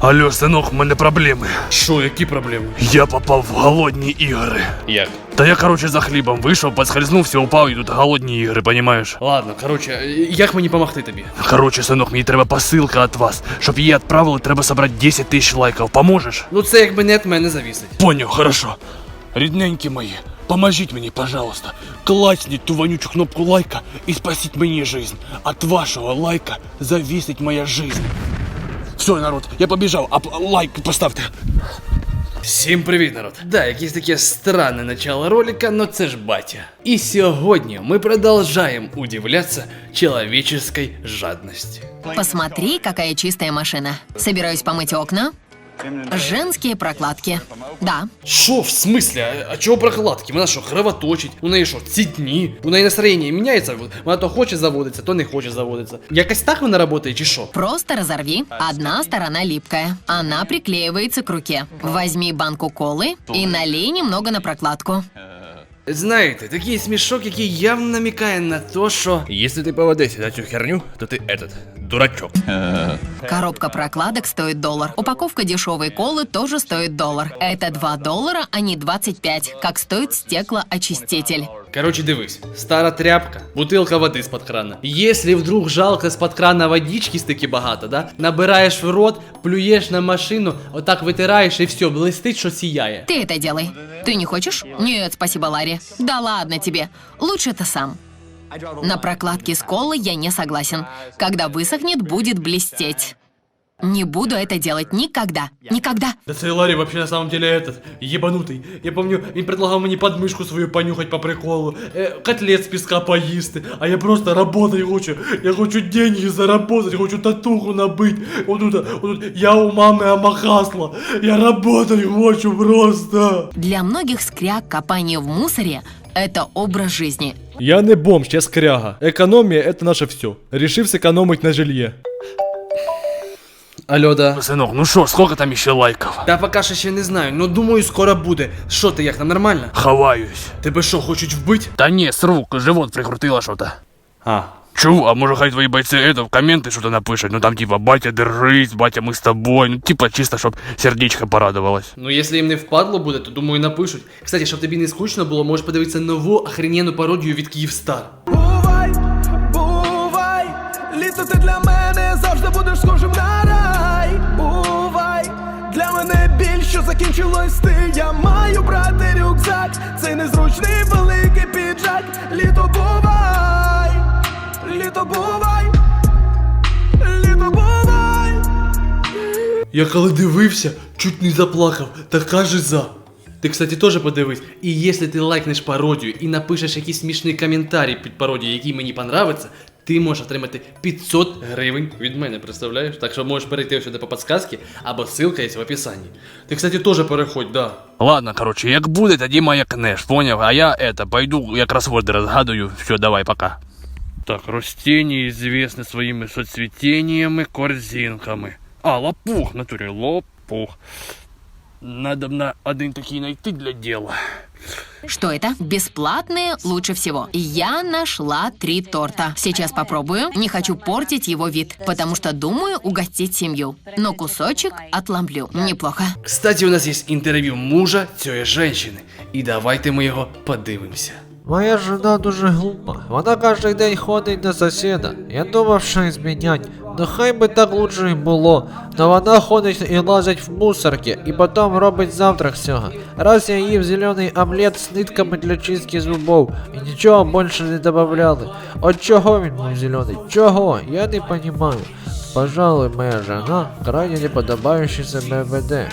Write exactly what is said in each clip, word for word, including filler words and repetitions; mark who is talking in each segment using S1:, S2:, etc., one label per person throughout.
S1: Алло, синок, в мене проблеми.
S2: Що, які проблеми?
S1: Я попав в голодні ігри.
S2: Як?
S1: Та я, короче, за хлібом вийшов, поскользнувся, упав і тут голодні ігри, понімаєш?
S2: Ладно, короче, як мені помогти тобі?
S1: Короче, синок, мені треба посилка від вас. Щоб її відправили, треба собрати десять тисяч лайків. Поможеш?
S2: Ну це якби не від мене завісить.
S1: Понял, хорошо. Рідненькі мої, поможіть мені, пожалуйста. Класніть ту вонючу кнопку лайка і спасіть мені жизнь. От вашого лайка зависить моя жизнь. Все, народ, я побіжав, а лайк поставте.
S2: Всім привіт, народ! Да, якесь таке странне начало ролика, но це ж батя. І сьогодні ми продовжаємо удивляться человеческой жадности.
S3: Посмотри, какая чистая машина. Собираюсь помыть окна. Женские прокладки. Да.
S2: Шо, в смысле? А, а чого прокладки? Вона що, кровоточить? У неї що, цітні? У неї настроєння міняється? Вона то хоче заводиться, то не хоче заводиться. Якось так вона працює чи що?
S3: Просто разорви. Одна сторона липкая. Она приклеивается к руке. Возьми банку колы и налей немного на прокладку.
S2: Знаєте, такий смішок, який явно намікає на то, що... Якщо ти поведешся на цю херню, то ти этот, дурачок.
S3: Коробка прокладок стоит доллар. Упаковка дешевой колы тоже стоит доллар. Это два доллара, а не двадцать пять, как стоит стеклоочиститель.
S2: Короче, дивись, стара тряпка, бутилка води з-под крана. Если вдруг жалко з-под крана водички стільки багато, да? Набираєш в рот, плюєш на машину, отак витираєш і все, блистить, що сіяє.
S3: Ты это делай. Ты не хочешь? Нет, спасибо, Ларри. Да ладно тебе. Лучше ты сам. На прокладке с колой я не согласен. Когда высохнет, будет блестеть. Не буду это делать никогда. Никогда.
S2: Да цей Ларри вообще на самом деле этот, ебанутый. Я помню, він предлагав мені подмишку свою понюхать по приколу, э, котлет з піска поїсти, а я просто работать хочу. Я хочу деньги заработать, хочу татуху набить. Вот тут, вот тут, я у мамы амахасла. Я работать хочу просто.
S3: Для многих скряг копание в мусоре – это образ жизни.
S4: Я не бомж, я скряга. Економія – это наше все. Рішив зекономить на жилье.
S2: Алло, да.
S1: Синок, ну що, скільки там ще лайків?
S2: Та поки що ще не знаю, но думаю скоро буде. Що ти, як там, нормально?
S1: Ховаюсь.
S2: Тебе що, хочуть вбити?
S1: Та ні, з рук, живот прикрутило що-то.
S2: А.
S1: Чув, а може хай твої бойці это, в коменти що-то напишуть, ну там типа батя держись, батя ми з тобою, ну типа чисто, щоб сердечко порадувалось.
S2: Ну, якщо їм не впадло буде, то думаю напишуть. Кстати, щоб тобі не скучно було, можеш подивитися нову охрененну пародію від Київстар.
S5: Бувай, бувай, літо ти для мене завжди будеш схожим на рай. Бувай, для мене біль, що закінчилось ти. Я маю брати рюкзак, цей незручний великий піджак. Літо бувай, літо бувай, літо бувай.
S2: Я коли дивився, чуть не заплакав, така жиза. Ти, кстати, теж подивись. І якщо ти лайкнеш пародію і напишеш якийсь смішний коментарій під пародією, який мені понравиться, ти можеш отримати п'ятсот гривень від мене, представляєш? Так що можеш перейти сюди по підсказці, або ссылка є в описанні. Ти, кстати, теж переходь, да.
S1: Ладно, короче, як буде, тоді маякнеш, поняв? А я это, пойду, я кроссворды разгадую. Все, давай, пока. Так, растения известны своими соцветениями, корзинками. А, лопух, в натуре, лопух. Надо на один такий найти для дела.
S3: Что это? Бесплатные лучше всего. Я нашла три торта. Сейчас попробую. Не хочу портить его вид, потому что думаю угостить семью. Но кусочек отломлю. Неплохо.
S2: Кстати, у нас є інтерв'ю мужа цієї жінки. І давайте ми його подивимося.
S6: Моя жена дуже глупа. Вона кожен день ходить до сусіда. Я думав, що її змінять. Ну хай би так лучше й було. Но вона ходить і лазить в мусорки, і потім робить завтрак з цього. Раз я їв зелений омлет з нитками для чистки зубов, і нічого більше не добавляли. От чого він був зелений? Чого? Я не розумію. Пожалуй, моя жена крайне неподобающе себе веде.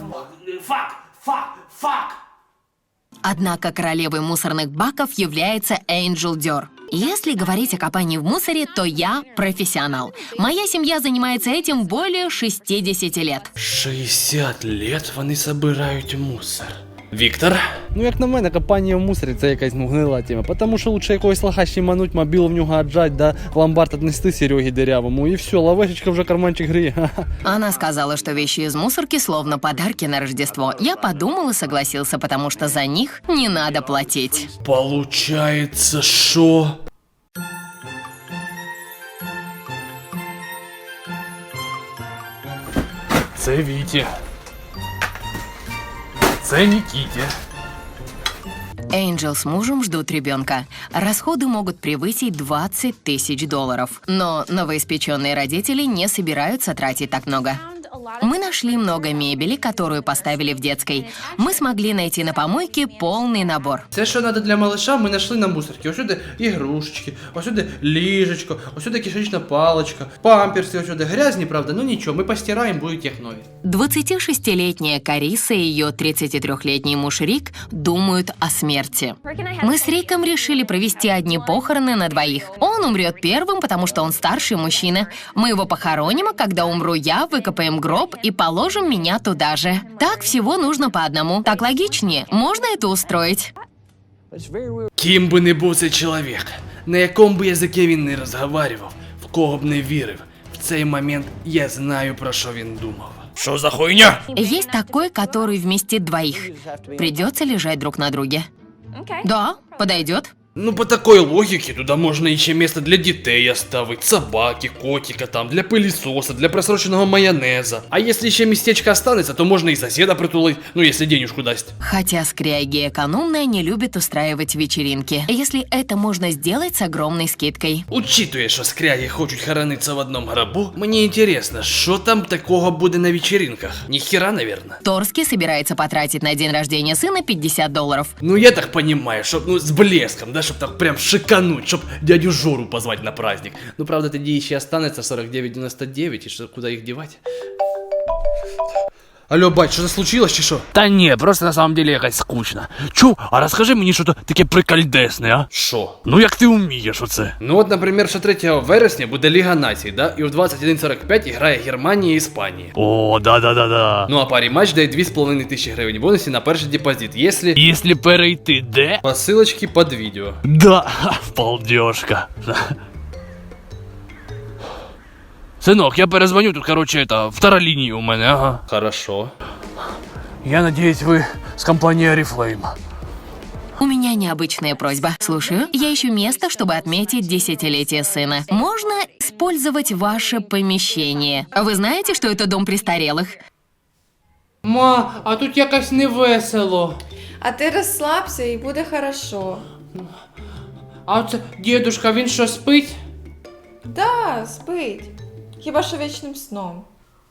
S3: Однако королевой мусорных баков является Энджел Дёр. Если говорить о копании в мусоре, то я профессионал. Моя семья занимается этим более шестидесяти лет.
S2: шістдесят лет вони собирають мусор. Віктор?
S4: Ну як на мене, копання в мусорі це якась ну, гнила тема. Потому що лучше якогось лоха щемануть, мобілу в нього отжать, да, в ломбард отнести Сереге дырявому, и все, лавешечка вже карманчик гріє.
S3: Она сказала, что вещи из мусорки словно подарки на Рождество. Я подумал и согласился, потому что за них не надо платить.
S2: Получается, шо?
S1: Це Віті. Це Нікіті.
S3: Энджел с мужем ждут ребенка. Расходы могут превысить двадцать тысяч долларов. Но новоиспеченные родители не собираются тратить так много. Мы нашли много мебели, которую поставили в детской. Мы смогли найти на помойке полный набор.
S2: Все, що треба для малыша, ми знайшли на мусорці. Ось сюди ігрушечки, ось сюди ліжечко, ось сюди кишечна паличка, памперси, ось сюди грязні, правда, ну нічого, ми постираємо, будуть як нові.
S3: двадцатишестилетняя Кариса и ее тридцатитрёхлетний муж Рик думают о смерти. Мы с Риком решили провести одни похороны на двоих. Он умрет первым, потому что он старший мужчина. Мы его похороним, а когда умру я, выкопаем гроб и положим меня туда же. Так всего нужно по одному. Так логичнее. Можно это устроить?
S2: Ким би не був цей чоловік, на якому б язикі він не розговарював, в кого б не вірив, в цей момент я знаю, про що він думав.
S1: Що за хуйня?
S3: Есть такой, который вместит двоих. Придется лежать друг на друге. Да, подойдет.
S2: Ну, по такой логике, туда можно еще место для детей оставить, собаки, котика там, для пылесоса, для просроченного майонеза. А если еще местечко останется, то можно и соседа притулить, ну, если денежку даст.
S3: Хотя скряги экономные не любят устраивать вечеринки, если это можно сделать с огромной скидкой.
S2: Учитуя, що скряги хочуть хорониться в одном гробу, мені интересно, що там такого буде на вечеринках? Ніхера, наверное.
S3: Торский собирается потратить на день рождения сына пятьдесят долларов.
S2: Ну, я так понимаю, чтоб, ну, с блеском, да, чтоб так прям шикануть, чтоб дядю Жору позвать на праздник. Ну, правда, тоді еще останется сорок девять девяносто девять, и что, куда их девать? Алло, бать, что-то случилось, чи що?
S1: Та ні, просто на самом деле якось скучно. Чу, а розкажи мені що-то таке прикольдесне, а?
S2: Що?
S1: Ну як ти вмієш оце?
S2: Ну от, наприклад, що третього вересня буде Ліга Націй, да? І в двадцять один сорок п'ять грає Германія і Іспанія.
S1: О, да-да-да-да.
S2: Ну а парі матч дає дві з половиною тисячі гривень бонусів на перший депозит, якщо...
S1: Якщо перейти де?
S2: По ссылочке под відео.
S1: Да, балдежка. Сынок, я перезвоню, тут, короче, это, вторая линия у меня, ага.
S2: Хорошо.
S1: Я надеюсь, вы с компанией Oriflame.
S3: У меня необычная просьба. Слушаю. Я ищу место, чтобы отметить десятилетие сына. Можно использовать ваше помещение? Вы знаете, что это дом престарелых?
S2: Ма, а тут якось не весело.
S7: А ти розслабся і буде хорошо.
S2: А оце дідушка, він що, спить?
S7: Да, спить. Хіба що вічним сном.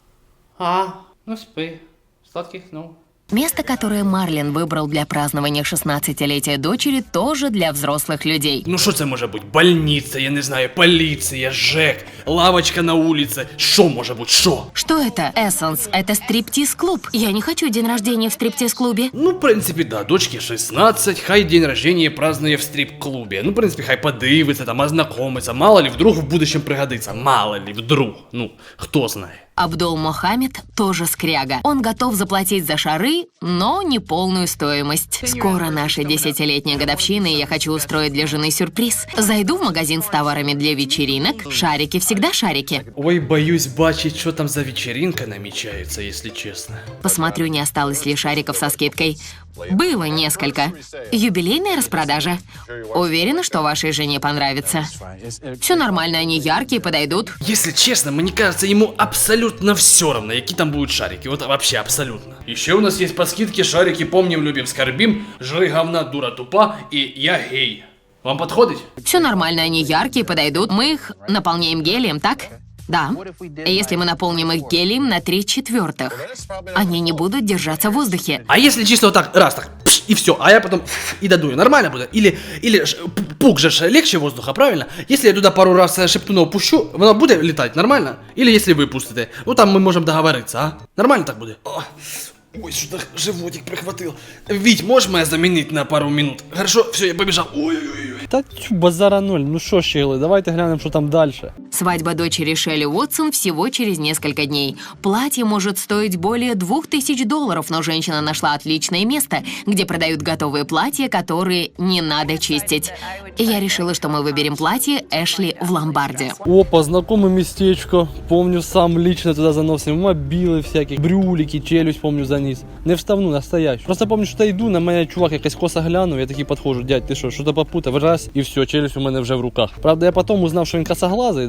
S2: А, ну спи. Сладких снов.
S3: Место, которое Марлин выбрал для празднования шестнадцатилетия дочери, тоже для взрослых людей.
S2: Ну що це може бути? Больниця, я не знаю, поліція, ЖЕК, лавочка на вулиці. Що може бути? Що?
S3: Что это? Эссенс. Это стриптиз-клуб. Я не хочу день рождения в стриптиз-клубе.
S2: Ну, в принципі, да, дочці шістнадцять, хай день рождения празднує в стрип-клубі. Ну, в принципі, хай подивиться, там, ознакомиться. Мало ли, вдруг в будущем пригодиться. Мало ли, вдруг. Ну, хто знає.
S3: Абдул Мохаммед тоже скряга. Он готов заплатить за шары, но не полную стоимость. Скоро наша десятилетняя годовщина, и я хочу устроить для жены сюрприз. Зайду в магазин с товарами для вечеринок. Шарики всегда шарики.
S2: Ой, боюсь бачить, що там за вечеринка намічається, якщо чесно.
S3: Посмотрю, не осталось ли шариков со скидкой. Было несколько. Юбилейная распродажа. Уверена, что вашей жене понравится. Все нормально, они яркие, подойдут.
S2: Если честно, мне кажется, ему абсолютно все равно, какие там будут шарики. Вот вообще абсолютно. Еще у нас есть по скидке шарики «Помним, любим, скорбим», «Жри говна, дура тупа» и «Я гей». Вам подходит?
S3: Все нормально, они яркие, подойдут. Мы их наполняем гелием, так? Да. Если мы наполним их гелием на три четвертых, они не будут держаться в воздухе.
S2: А если чисто вот так, раз так, пш, и все, а я потом ф, и додую, нормально будет? Или, или ж, п- пук же ж легче воздуха, правильно? Если я туда пару раз шептунов пущу, оно будет летать, нормально? Или если вы пустите, ну там мы можем договориться, а? Нормально так будет? О, ой, что-то животик прихватил. Вить, можешь меня заменить на пару минут? Хорошо, все, я побежал. Ой-ой-ой.
S4: Та тю, базара ноль, ну що щегли, давайте глянемо, що там дальше.
S3: Свадьба дочери Шелли Уотсон всего через несколько дней. Платье может стоить более двух тысяч долларов, но женщина нашла отличное место, где продают готовые платья, которые не надо чистить. И я решила, что мы выберем платье Эшли в ломбарде.
S4: Опа, знакоме местечко. Помню, сам лично туда заносив мобіли всякі, брюлики, челюсть, помню, заніс. Не вставну, настоящую. Просто помню, що йду, на мене чувак якась коса глянув, я такий підходжу, дядь, ти що, що-то попутав, раз, і все, челюсть у мене вже в руках. Правда, я потім узнав, що він косоглазий, да?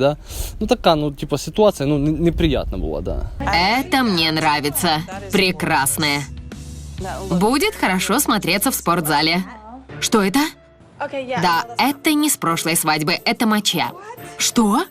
S4: да. Ну така, ну, типа, ситуація, ну, не- неприятна була, да.
S3: Это мне нравится. Прекрасное. Будет хорошо смотреться в спортзале. Что это? Да, это не с прошлой свадьбы, это моча. Что?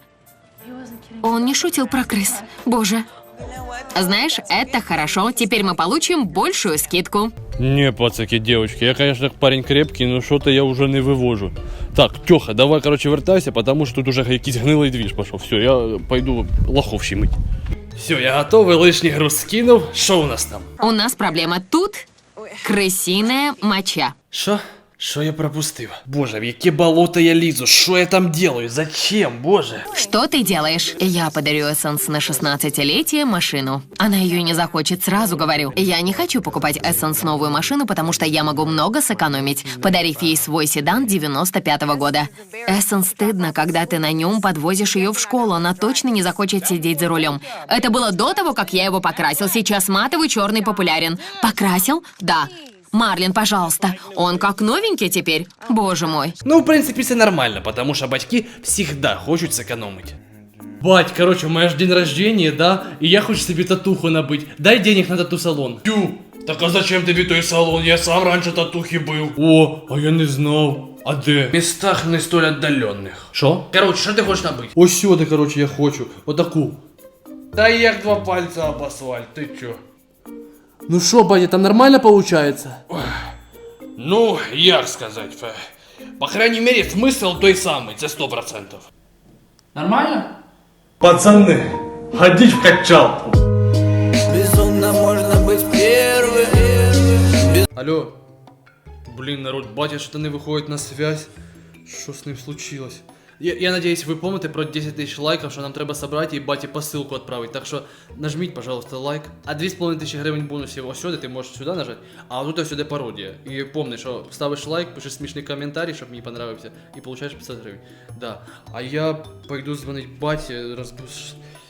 S3: Он не шутил про крыс. Боже. Знаешь, это хорошо. Теперь мы получим большую скидку.
S1: Не, пацаки, девочки, я, конечно, парень крепкий, но что-то я уже не вывожу. Так, Тёха, давай, короче, вертайся, потому что тут уже якийсь гнилий движ пошел. Все, я пойду лохов щемить.
S2: Все, я готовий, лишній груз скинув. Що у нас там?
S3: У нас проблема тут. Крысиная моча.
S2: Що? Що я пропустив? Боже, в яке болото я лізу? Що я там делаю? Зачем, боже?
S3: Что ты делаешь? Я подарю Эссенс на шестнадцатилетие машину. Она ее не захочет, сразу говорю. Я не хочу покупать Эссенс новую машину, потому что я могу много сэкономить, подарив ей свой седан девяносто пятого года. Эссенс стыдно, когда ты на нем подвозишь ее в школу. Она точно не захочет сидеть за рулем. Это было до того, как я его покрасил. Сейчас матовый черный популярен. Покрасил? Да. Марлин, пожалуйста. Он как новенький теперь. Боже мой.
S2: Ну, в принципі, це нормально, потому що батьки всегда хочуть сэкономить. Бать, короче, у мене ж день рождения, да? І я хочу собі татуху набить. Дай денег на тату-салон. Тю, так а зачем тобі той салон? Я сам раніше татухи бив. О, а я не знав. А де? В містах не столь отдалених. Що? Короче, що ти хочеш набити? Ось сюди, короче, я хочу. Отаку. Та як два пальця об асфальт, ти чо? Ну що, батя, там нормально получается? Ну, як сказати, фе. По крайней мере, смысл той самий, це сто процентов. Нормально? Пацаны, ходить в качалку.
S5: Безумно можно быть первым.
S2: Алло. Блин, народ, батя что-то не выходит на связь. Что с ним случилось? Я, я надеюсь, вы помните про десять тысяч лайков, що нам треба собрати і баті посилку відправити. Так що нажміть, пожалуйста, лайк. А дві з половиною тисячі гривень бонусів ось сюди, ти можеш сюди нажати, а тут ось сюди пародія. І помни, що ставиш лайк, пишеш смішний коментарій, щоб мені понравився, і получаєш п'ятдесят гривень. Да. А я пойду дзвонить баті, розбуш...